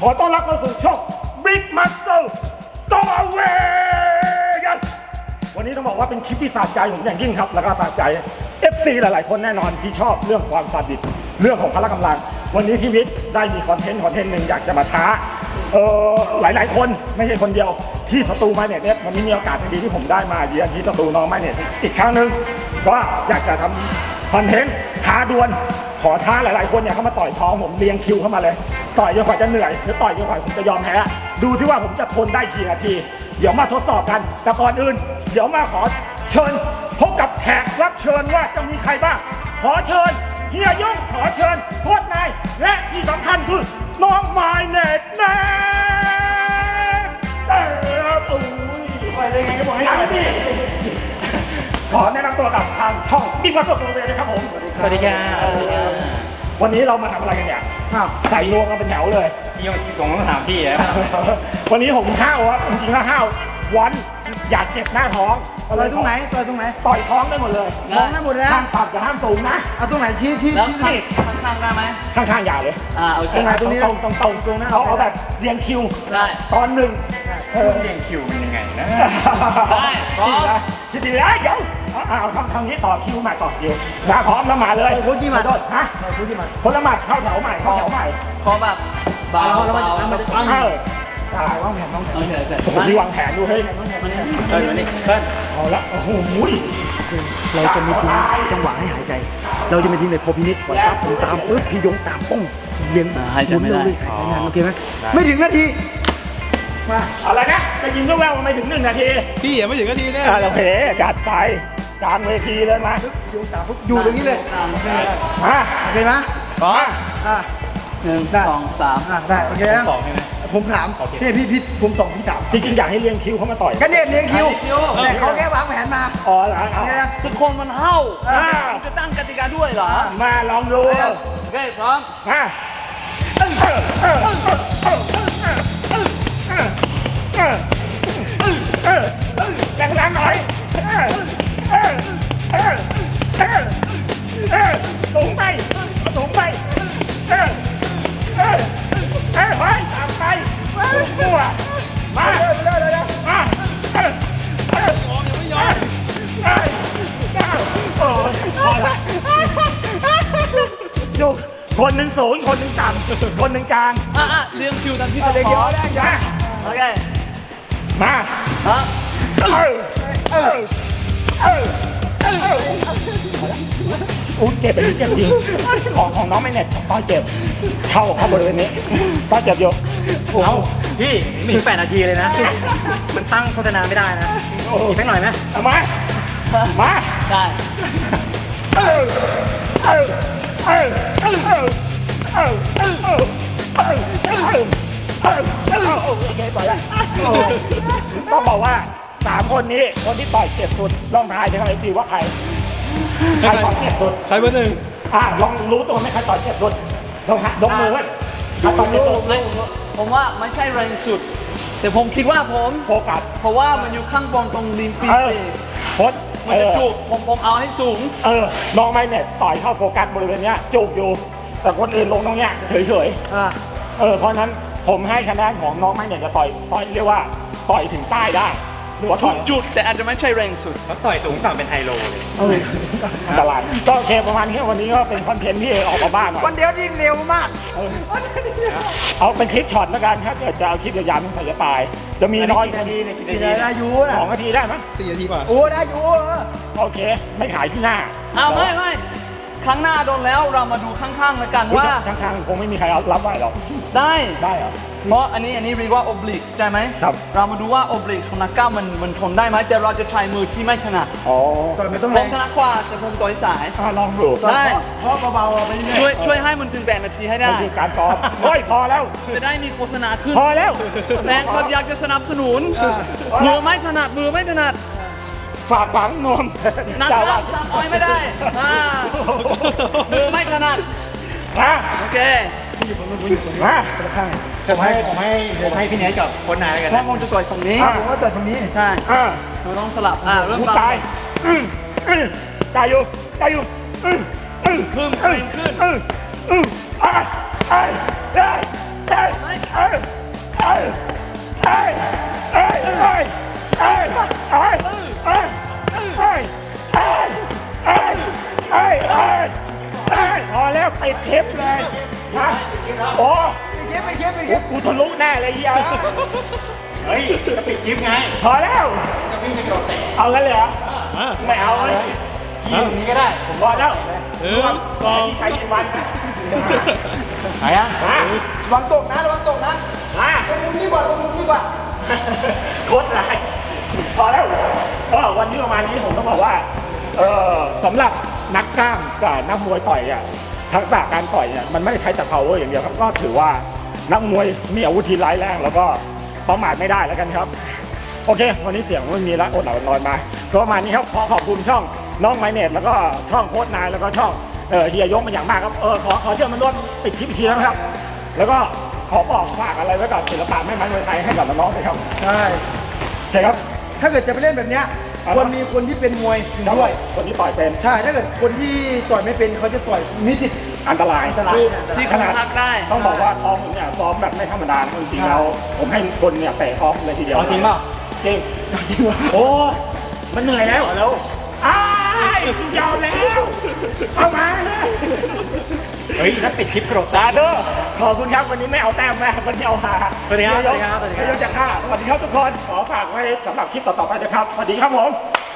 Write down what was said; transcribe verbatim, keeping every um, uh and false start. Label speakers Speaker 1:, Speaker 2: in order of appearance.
Speaker 1: อต้อนรับเข้าสู่ช่อง Big Muscle ต่อเวกันวันนี้ต้องบอกว่าเป็นคลิปที่สะใจผมอย่างยิ่งครับแล้วก็สะใจ เอฟ ซี หลายๆคนแน่นอนที่ชอบเรื่องความซาดิสเรื่องของพละกำลังวันนี้พี่วิทย์ได้มีคอนเทนต์คอนเทนต์หนึ่งอยากจะมาท้าเออหลายๆคนไม่ใช่คนเดียวที่สตูมาเนี่ยวันนี้มีโอกาสดีที่ผมได้มาเยือนที่สตูน้องมาเนี่ยอีกครั้งหนึ่งก็อยากจะทำคอนเทนต์ท้าดวลขอท้าหลายๆคนเนี่ยเข้ามาต่อยท้องผมเรียงคิวเข้ามาเลยต่อยจนกว่าจะเหนื่อยหรือต่อยจนกว่าผมจะยอมแพ้ดูที่ว่าผมจะทนได้กี่นาทีเดี๋ยวมาทดสอบกันแต่ก่อนอื่นเดี๋ยวมาขอเชิญพบกับแขกรับเชิญว่าจะมีใครบ้างขอเชิญเฮียยงขอเชิญโค้ชนายและที่สำคัญคือน้องไมเน็ตนะเอออุ้ย
Speaker 2: ปล่อยเลยไงก็บอกให้ปล่อยพี่
Speaker 1: ขอแนะนำตัวกับทางช่องบิ๊กบัสโซโซเวนะครับผมสวัสดีครับวันนี้เรามาทำอะไรกันเนี่ยใส่รวมกันเป็นแถวเลย
Speaker 3: ยังส่งคำถามพี่นะ
Speaker 1: วันนี้ผมห้าวครับจริงๆแล้วห้าววันอยากเจ็บหน้าท้อง
Speaker 2: ต่อยตรงไหนต่อยตรงไหน
Speaker 1: ต่อยท้องได้หมดเลย
Speaker 2: ท้องได้หมดเลยนะ
Speaker 1: ห้ามต่ำกับห้ามสูงนะ
Speaker 2: เอาตรงไหนชี้ชี้
Speaker 3: แล้ว
Speaker 2: ชี้
Speaker 3: ข้างๆได้ไหม
Speaker 1: ข้างๆอย่าเลย
Speaker 3: อ่าโอเค
Speaker 1: ตรงไหนตรงนี้ตรงตรงตรงตรงนะเอาเอาแบบเรียงคิว
Speaker 3: ได้
Speaker 1: ตอนหนึ่งเออ
Speaker 3: เรียงคิวเป็นยังไงนะ
Speaker 1: ได้พร้อมคิดดีนะเดี๋ยวเอาเอาคำคำนี้ต่อคิวใหม่ต่อคิวนะพร้อมแล้วมาเลย
Speaker 2: โค้ชกี่หมัด
Speaker 1: โดดฮะ
Speaker 2: โค้ชกี่หมัด
Speaker 1: คนละหมัดเข้าแถวใหม่เข้าแถวใหม่
Speaker 3: ขอแบบเบา
Speaker 2: แล้วมัน
Speaker 3: เบา
Speaker 2: จะมันจะปั้ง
Speaker 1: เออได้
Speaker 2: วางแผนวางแผน
Speaker 3: โอเคโอเค
Speaker 1: โอ้โหมีวางแผนดูเฮ้ย
Speaker 3: มานี่เฮ้ยมานี่เฮ้ย
Speaker 1: เอาละโอ้โห
Speaker 2: เราจะมีทิ้งจังหวะให้หายใจ เราจะมีทิ้งเลยพอพินิจก่อนปั๊บผมตามปึ๊บพี่ยงตามป้องเลี้ยงหมุนเลยหายใจนานโอเคไหมไม่ถึงนาทีมา
Speaker 1: อะไรนะได้ยินแว่วๆมาไม่ถึงหนึ่งนาที
Speaker 4: พี่อย่าไม่ถึงนาทีแน่
Speaker 1: อ่ะโอเคจัดไปกลางเวทีเลยมา
Speaker 2: พี่ยงตามปุ๊บอยู่ตรงนี้เลย
Speaker 3: ตาม
Speaker 2: โอเค
Speaker 1: มา
Speaker 2: โอเคไหม
Speaker 3: พร้อม
Speaker 2: อ่า
Speaker 3: หนึ่งสองสาม
Speaker 2: อ่าได้โอเค
Speaker 3: สองใช่ไหม
Speaker 2: ผมถามนี่พี่พี่ผมส่งพี่ถาม
Speaker 1: จริงๆอยากให้เรียงคิวเข้ามาต่อย
Speaker 2: ก็เนี่ยเลี้ยงคิวแต่เขาแค่วางแผนมา
Speaker 1: อ๋อเหรอเอา
Speaker 2: เนี่ย
Speaker 3: ทุกคนมันเฮ้า
Speaker 1: อ่า
Speaker 3: จะตั้งกติกาด้วยเหรอ
Speaker 1: มาลองดู
Speaker 3: โอเคพร้อม
Speaker 1: มาเออเออเออเออเออเออเออเออแรงๆหน่อยเออเออเออเออเออสูงไปสูงไปเออเออเออเฮ้ยตามไปสูงตัวมามาเออเออเออเออเออเออโอ้ยพอละดูคนหนึ่งสูงคนหนึ่งต่ำคนหนึ่งกลาง
Speaker 3: อ่ะอ่ะเรียงคิวตามที่
Speaker 2: เอา
Speaker 3: ตะ
Speaker 2: เลี้ยง
Speaker 3: ข
Speaker 2: คิว
Speaker 3: อ
Speaker 2: ได้ยัง
Speaker 3: โอเค
Speaker 1: มา
Speaker 3: ฮะ
Speaker 1: เออเออเออเอออู้เจ็บไปเจ็บจริงของของน้องไม่เน็ตต้อยเจ็บเข้าเข้าบริเวณนี้ต้อยเจ็บอยู่
Speaker 4: เอาพี่ไม่ถึงแปดนาทีเลยนะ มันตั้งโฆษณาไม่ได้นะอีกสักหน่อยไหม
Speaker 1: เอามามา
Speaker 3: ได้
Speaker 1: เออเออเออเออเออเออเออเออเออเออเออเออโอเคปล่อยละต้องบอกว่าสามคนนี้คนที่ต่อยเจ็บสุดลองทายถึงอะไรจีว่าใครใครต่อยเจ็บสุด
Speaker 4: ใครเบอร์หนึ่ง
Speaker 1: อ่ะลองรู้ตัวไหมใครต่อยเจ็บสุดลองหักยกมือไว้ใครต่อยเจ็บสุด
Speaker 3: ไม่ผมว่าไม่ใช่แรงสุด แต่ผมคิดว่าผม
Speaker 1: โฟกัส
Speaker 3: เพราะว่ามันอยู่ข้างบนตรงริมปี
Speaker 1: เออก โคตร
Speaker 3: มันจะจุกผมผมเอาให้สูง
Speaker 1: เออน้องไม่เนี่ยต่อยเข้าโฟกัสบริเวณเนี้ยจุกอยู่ แต่คนอื่นลงตรงเนี้ยเฉย
Speaker 2: อ่า
Speaker 1: ๆเออเพราะนั้นผมให้คะแนนของน้องไม่เนี่ยจะต่อยต่อยเรียกว่าต่อยถึงใต้ได้หรือว่า
Speaker 3: ทุ
Speaker 1: ต่อก ย
Speaker 3: จุดแต่อาจจะไม่ใช่แรงสุด
Speaker 4: เขาต่อยสูงต่ำเป็นไฮโลเลย
Speaker 1: เอออันตรายก็โอเคประมาณนี้วันนี้ก็เป็นคอนเทนต์ที่ออกมาบ้างหน่อย
Speaker 2: วันเดียวนี่เร็วมาก
Speaker 1: เออเอาเป็นคลิปช็อตแล้วกันถ้าเกิดจะเอาคลิปยาวๆต้องใส่จะตาย จะมีน้อย
Speaker 4: นาทีเนี่ยกี่
Speaker 2: กี่
Speaker 4: นา
Speaker 2: นา
Speaker 4: ที
Speaker 2: ทีได้อยูนะ
Speaker 1: สองนาทีได้ไหมย
Speaker 4: สี่นาทีกว่า
Speaker 2: โอ้ได้อยูเออ
Speaker 1: โอเค ไม่ขายที่หน้า
Speaker 3: อ้าวไม่ไม่ครั้งหน้าโดนแล้วเรามาดูข้างๆแล้วกันว่า
Speaker 1: ข้างๆคงไม่มีใครรับไหวหรอก
Speaker 3: ได้
Speaker 1: ได้เหรอ
Speaker 3: เพราะอันนี้อันนี้เรียกว่า oblique ใช่ไหม
Speaker 1: ครับ
Speaker 3: เรามาดูว่า oblique ของนักกล้ามมันมันทนได้ไหมแต่เราจะใช้มือที่ไม่ถนัด
Speaker 1: อ๋อ
Speaker 2: ต่อยไม่ต้อง
Speaker 3: ผ
Speaker 2: แร
Speaker 3: ม
Speaker 2: ง
Speaker 3: ถนัดกว่าแต่ผมต่อยสาย
Speaker 1: อ่ะลองดู
Speaker 3: ได้
Speaker 2: เพราะเบาๆไปเรื่
Speaker 3: ช่ว
Speaker 2: อย ย
Speaker 3: ช่วยให้มันถึงแปดนาทีให้ได้
Speaker 1: มันคือการซ้อมเฮ้ยพอแล้ว
Speaker 3: จะได้มีโฆษณาขึ้น
Speaker 1: พอแล้ว
Speaker 3: แฟนคลับอยากจะสนับสนุน มือไม่ถนัดมือไม่ถนัด
Speaker 1: ฝากฝังนม
Speaker 3: นักกล้ามซ้ำอ้อยไม่ได้อ่ามือไม่ถนัด
Speaker 1: มา
Speaker 3: โอเค
Speaker 1: มา
Speaker 4: ผมให้ผมให้ผมให้พี่เนทกับโค้ชนายแล้วกัน
Speaker 3: เพราะ
Speaker 4: นะ
Speaker 3: ผมจะต่อยฝั่งนี้
Speaker 1: อ่ะ
Speaker 2: ผมว่าต่อยตรงนี้
Speaker 3: ใช่
Speaker 1: อ่า
Speaker 3: เราต้องสลับอ่าเริ่ม
Speaker 1: กู
Speaker 3: ต่อ
Speaker 1: ตายอืมอืมตายอยู่ตายอยู่อืมอืม
Speaker 3: ขึ้น
Speaker 1: อืม
Speaker 3: ขึ้น
Speaker 1: อืมอืมอ่ะอ่ะได้ได้ได้
Speaker 3: เฮ้ย
Speaker 1: เอ้ยโอ้
Speaker 2: เป็นคลิปเป็นคลิปเป็นคลิป
Speaker 1: กูทะลุแน่เลยเฮีย
Speaker 4: เฮ้ยจะปิดคลิปไง
Speaker 1: พอแล้ว
Speaker 4: จะพี่จะกระโดดเตะ
Speaker 1: เอางั้นเลยเหรอไม่เอาเลย
Speaker 4: ยิงตรงนี้ก็ได้
Speaker 1: ผมพอแล้วรวมกองที่ใช้กี่วันนะ
Speaker 4: ไหนอ่ะ
Speaker 1: มา
Speaker 2: ระวังตกนะระวังตกนะ
Speaker 1: มา
Speaker 2: ตรงมุมนี้กว่าตรงมุมนี้กว่า
Speaker 1: โคตรไรพอแล้วก็วันนี้ประมาณนี้ผมต้องบอกว่าเออสำหรับนักกล้ามกับนักมวยต่อยอ่ะทักษะการต่อยเนี่ยมันไม่ได้ใช้แต่ power อย่างเดียวครับก็ถือว่านักมวยมีอาวุธที่ร้ายแรงแล้วก็ประมาทไม่ได้แล้วกันครับ โอเค วันนี้เสียงไม่มีละอดหลับอดนอนมาก็ประมาณนี้ครับขอขอบคุณช่องน้องไมเนตแล้วก็ช่องโค้ชนายแล้วก็ช่องเออเฮียยงเป็นอย่างมากครับเออขอขอเชิญมันร่วมปิดคลิปอีกทีนะครับ แล้วก็ขอบอกฝากอะไรไว้กับศิลปะแม่ไม้มวยไทยให้กับน้องๆด้วยครับ
Speaker 2: ใช่
Speaker 1: ใช่ครับ
Speaker 2: ถ้าเกิดจะไปเล่นแบบเนี้ย
Speaker 1: อ่า
Speaker 2: ควรมีคนที่เป็นมวยอยู่ด้วย
Speaker 1: คนที่ต่อยเป็น
Speaker 2: ใช่ ถ้าเกิดคนที่ต่อยไม่เป็นเขาจะต่อยมีสิทธิ์
Speaker 1: อันตราย
Speaker 2: อันตราย
Speaker 3: ซี่โค
Speaker 1: ข
Speaker 3: รง
Speaker 1: นาด
Speaker 3: หักได้
Speaker 1: ต้องบอกว่าท้องผมเนี่ยซ้อมแบบไม่ธรรมดานะจริงๆแล้วผมให้คนเนี่ยเตะท้องเลยทีเดียว
Speaker 4: เอาจริงเปล่า
Speaker 1: จริงจริงวะโอ้มันเหนื่อยแล้วเหรอแล้วอ้ายยาวแล้วเอามาเลย
Speaker 4: เฮ้ยถ้าปิดคลิปกระโดด
Speaker 1: ตาเด้อขอบคุณครับวันนี้ไม่เอาแต้มแม่วันนี้เอาหา
Speaker 4: สวัสดีครับสวัสดีครับสวัสดีครับ
Speaker 1: เดี๋ยวจะฆ่าสวัสดีครับทุกคนขอฝากไว้สำหรับคลิปต่อๆไปนะครับสวัสดีครับผม